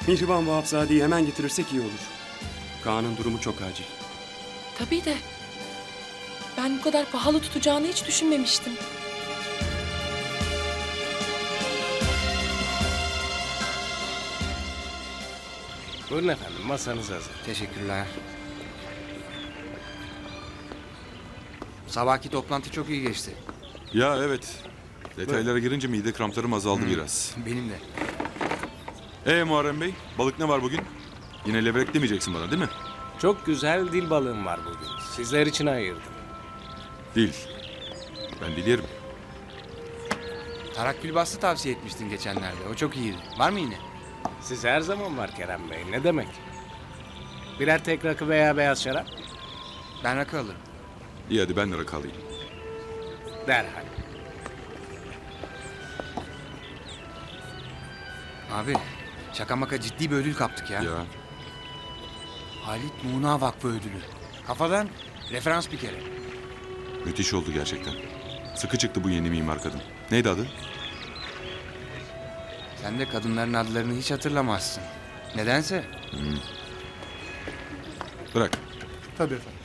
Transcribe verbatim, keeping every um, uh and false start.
Mihriban Vahapzade'yi hemen getirirsek iyi olur. Kaan'ın durumu çok acil. Tabii de ben bu kadar pahalı tutacağını hiç düşünmemiştim. Buyurun efendim, masanız hazır. Teşekkürler. Sabahki toplantı çok iyi geçti. Ya evet. Detaylara girince mide kramplarım azaldı biraz. Benim de. Ee Muharrem Bey, balık ne var bugün? Yine levrek demeyeceksin bana değil mi? Çok güzel dil balığım var bugün. Sizler için ayırdım. Değil. Ben dil yerim. Tarak külbastı tavsiye etmiştin geçenlerde. O çok iyiydi. Var mı yine? Siz her zaman var Kerem Bey, ne demek? Birer tek rakı veya beyaz şarap? Ben rakı alırım. İyi hadi ben de rakı alayım. Derhal. Abi şaka maka ciddi bir ödül kaptık ya. Ya Halit Muğna Vakfı ödülü. Kafadan referans bir kere. müthiş oldu gerçekten. Sıkı çıktı bu yeni mimar kadın. Neydi adı? Sen de kadınların adlarını hiç hatırlamazsın. Nedense. Bırak. Tabii efendim.